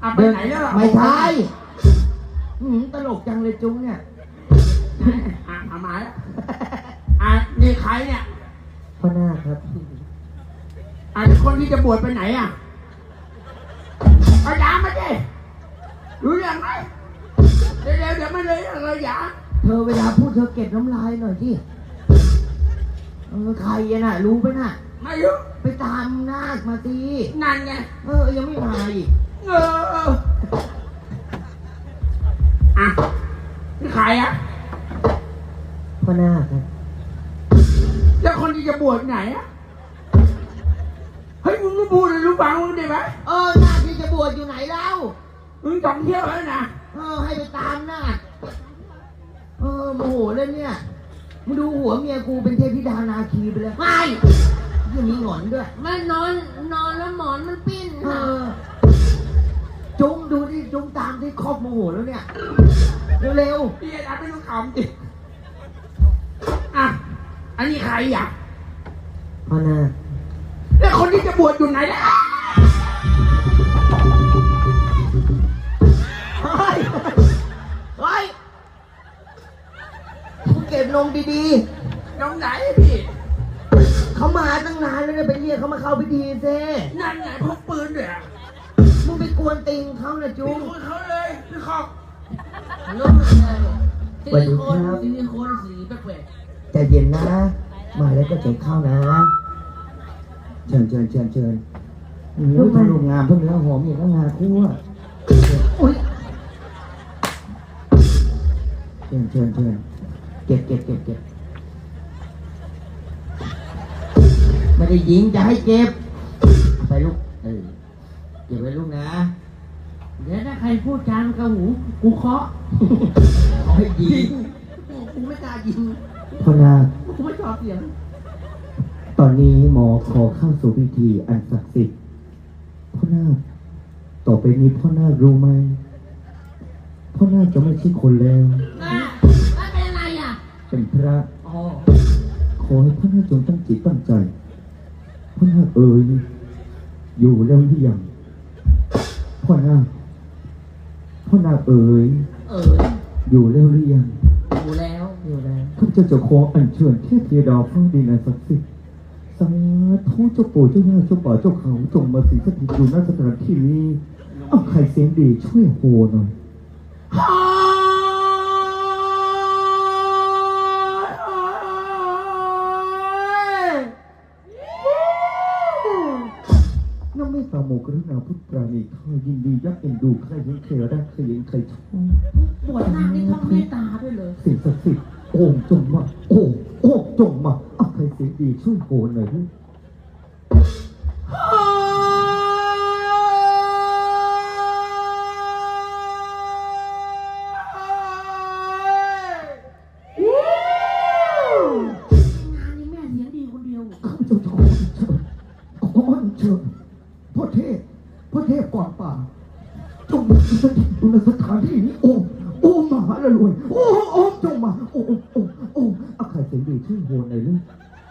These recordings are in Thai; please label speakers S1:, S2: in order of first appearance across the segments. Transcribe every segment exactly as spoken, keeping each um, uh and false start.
S1: อ่ะไปไหนแล้วล่ะ
S2: ไม่ใช่ตลกจังเลยจุ้งเนี่ย
S1: อ่ะเอามาแล้วอ่ะนี่ใครเนี่ย
S2: พ่อหน้าครับ
S1: อ่ะคนที่จะบวชไปไหนอ่ะเอายามาดิรู้เรื่องไหมเดี๋ยวเดี๋ยวเดี๋ยวไม่เลยอะไรยา
S2: เธอเวลาพูดเธอเก็บน้ำลายหน่อยสิเออใครน่ะรู้ไหมน่ะ
S1: ไม่รู้
S2: ไปตามนาคมาตี
S1: นั่นไง
S2: เออยังไม่มาอีก
S1: เอออ่ะนี่ใครอ่ะ
S2: พ่อหน้าครับ
S1: แล้วคนที่จะบวชไหนอ่ะเฮ้ยมึงรู้พูดเลยรู้ฟังมึงได้ไหม
S2: เออนาคที่จะบวชอยู่ไหนเล่า
S1: มึงต้องเที่ยวแล้วนะ
S2: เออให้ไปตามนาคเออโมโหเลยเนี่ยมึงดูหัวเมียกูเป็นเทพธิดานาคีไปเลยไม่ยังมีหงอนด้วย
S3: มันนอนนอนแล้วหมอนมันปิ้น
S2: เออจุงดูดิจุงตามที่ครอบโมโหแล้วเนี่ยเร็ว
S1: ๆพี่อาจารย์ไม่ต้องขำดิอ่ะอันนี้ใครอ่ะ
S2: พ่อหน้า
S1: แล้วคนที่จะบวชอยู่ไหนล่ะ
S2: เฮ้ยเฮ้ยเก็บลงดี
S1: ๆลงไหนพี่
S2: เขามาตั้งนานแล้วเนี่ยไปเรียกเขามาเข้าพิธีเซ่
S1: นั่นไงพกปืนด้วยอ่ะ
S2: มึงไปกวนติงเขานะจุ๊บ
S1: ไปกวนเขาเลยพี่ขอบ
S3: ลุ้มเลยซิลิโคนซิลิโคนสีแปลก
S2: ๆใจเย็นนะมาแล้วก็เจ็บเข้านะเชิญเชิญเชิญเชิญลูกมันลูกงามเพิ่งเนื้อหอมอย่างก็งาคู่อ่ะอุ้ยเชิญเชิญเชิญเก็บเก็บเก็บเก็บไม่ได้ยิงจะให้เก็บไปลูกเออเก็บไว้ลูกนะ
S3: เดี๋ยวถ้าใครพูดจานกระหูกูเคาะ
S2: ให้ยิง
S3: กูไม่กล้ายิง
S2: พ่อนา
S3: กูไม่ชอบเสียง
S2: ตอนนี้หมอขอเข้าสู่พิธีอันศักดิ์สิทธิ์พ่อนาต่อไปนี้พ่อนารู้ไหมพ่อนาจะไม่ใช่คนแล้ว
S3: แล้วเป็นอะไรอ่ะ
S2: เป็นพระขอให้พ่อนาจงตั้งจิตตั้งใจพ่อนาเอ๋ยอยู่แล้วหรือยังพ่อนาพ่อนาเอ๋ย
S3: เอ๋ย
S2: อยู่แล้วหรือยัง
S3: อยู่แล้วอยู่แล้ว
S2: ข้าพเจ้าจะขออัญเชิญเทพธิดาฟ้าดินอันศักดิ์สิทธิ์สาธุเจ้าปู่เจ้าย่าเจ้าป่าเจ้าเขาจงมาสิงสถิตอยู่ณสถานที่นี้เอาใครเสียงดีช่วยโหหน่อยน้องไม่สาโมกรุณาพุทธปราณีข้ายินดียักษ์เอ็นดูใครเห็นใครรักใครเห็นใครชอบบ
S3: วชนาคนี่ท่องเมตตาด้วยเลย
S2: สิ่งศักดิ์สิทธิ์โอ่งจงมาโอ่งโอ่งจงมาเอาใครเสียงดีช่วยโหหน่อยด้วยพ่อเทพพ่อเทพก่อนป่าจงมาสถิตอยู่ในสถานที่นี้โอ้โอ้มหาละรวยโอ้โอ้จงมาโอ้โอ้โอ้โอ้อาใครเสียงดีช่วยโหนหน่อยลูก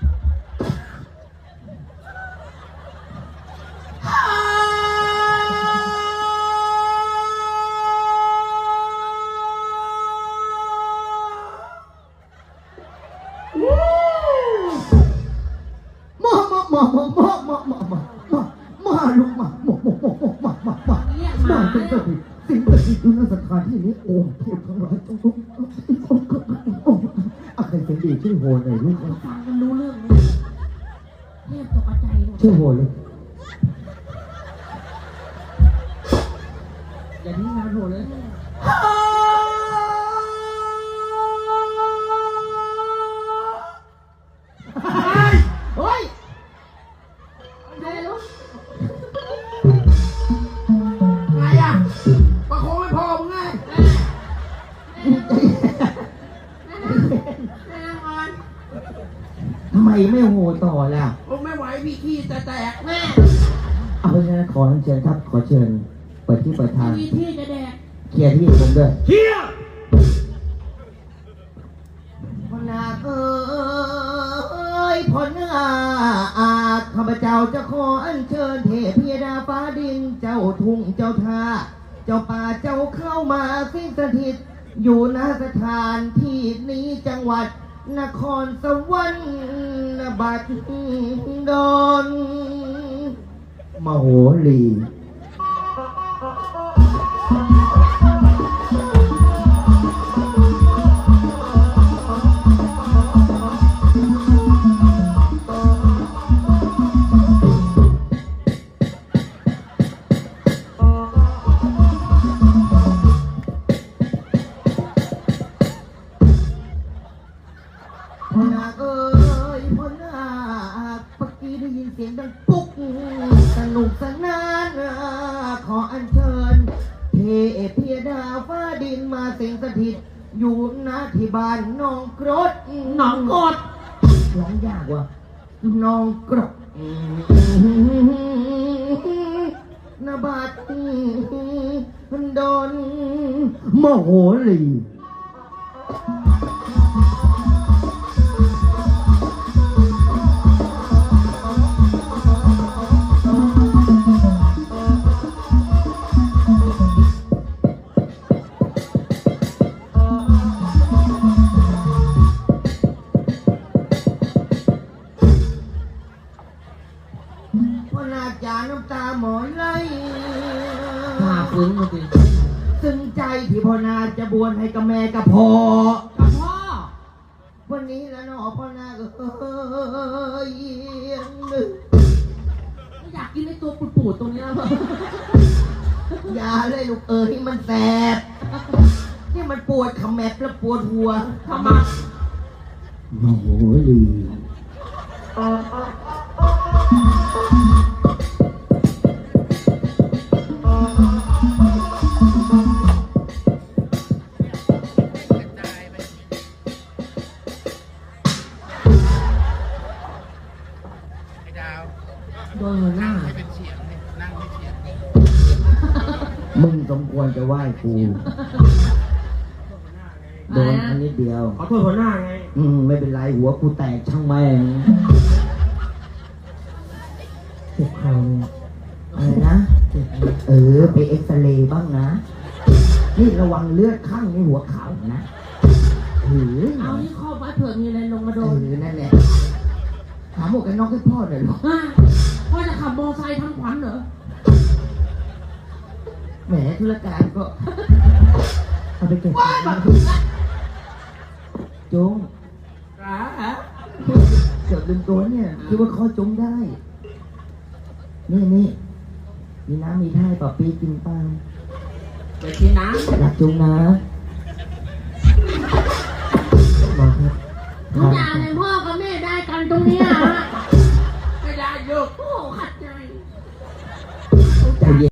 S2: มามามามามามามามาลูกมามามามามามามามาเป็นสถิตสิ่งศักดิ์สิทธิ์อยู่ในสถานที่นี้โอ้เทพทั้งหลายจงจงโอ้อาใครเสียงดีช่วยโหนหน่อยลูก
S3: ฟังกันรู้เรื่องไหมเทพตกใจ
S2: ช่วยโหนเลย
S3: อย่าทิ้งงานโหเลย
S2: เฮ้ย
S3: เร็ว
S1: ไงอ่ะประโคองไม่พอมึงไง
S2: ทำไมไม่โหต่อล่ะ
S1: ผมไม่ไหวพี่ขี้แต่แตกแม่
S2: เอาไปนะขอเชิญครับขอเชิญเปิดที่เปิดทาง
S3: มีที่จะแดก
S2: เคลียร์ที่ผมด้วย
S1: เคลียร์
S2: พ่อนาคเอ้ยพ่อนาอาข้าพเจ้าจะขออัญเชิญเทพธิดาฟ้าดินเจ้าทุ่งเจ้าท่าเจ้าป่าเจ้าเข้ามาสิงสถิต อยู่ณสถานที่นี้จังหวัด นครสวรรค์บัดดลมโหรีพ่อนาคเอ้ยพ่อนาคเมื่อกี้ได้ยินเสียงดังปุ๊กสนุกสนานขออัญเชิญเทพยดาฟ้าดินมาสิงสถิต อยู่ณที่บ้านน้องกรด
S3: หนองกด
S2: ร้องยากว่ะน้องกรดนบาดดนมโหรีพ่อนาจาน้ำตาหมอยไหล
S3: หาฟื้นมาสิ
S2: ซึ้งใจที่พ่อนาจะบวชให้กับแม่กับพ่อ
S3: กับพ่อ
S2: วันนี้แล้วเนาะพ่อนาก็เอ้ยนึก
S3: ไม่อยากกินไอ้ตัวปูดๆตรงเนี้ยเลย
S2: อย่าเลยลูกเอ้ยมันแสบนี่มันปวดขมับแล้วปวดหัว
S3: ทำไม
S2: มโหรี
S3: โดนหัวหน้า
S2: มึงสมควรจะไหว้กูโดนอันนี้เดียว
S1: ขอโทษหัวหน้าไง
S2: อืมไม่เป็นไรหัวกูแตกช่างแม่งเจ็บเข่าอะไรนะเออไปเอ็กซเรย์บ้างนะ นี่ระวังเลือดข้างในหัวเข่านะหือ
S3: เอานี่ครอบไว้เผื่อมีอะไรลงมาโด
S2: เอน อนั่นแหละถามหมวกกันน็อกให้พ่อหน่อยหรอ
S3: ฮะพ่อจะขับมอไซค์ทำขวัญเหรอ
S2: แหมธุรการก็เอาไปเก็บจง
S1: อ่าฮะ
S2: เกือบลืมตัวเนี่ยคิดว่าเขาจงได้ นี่นี่มีน้ำมีท่าต่อปีกินปัง
S1: ไปกินน้
S2: รักจงนะบอกครับ
S3: ทุกอย่างในพ่อกับแม่ได้กันตรงเนี้ยฮะ
S1: ำไม่ได้ลูก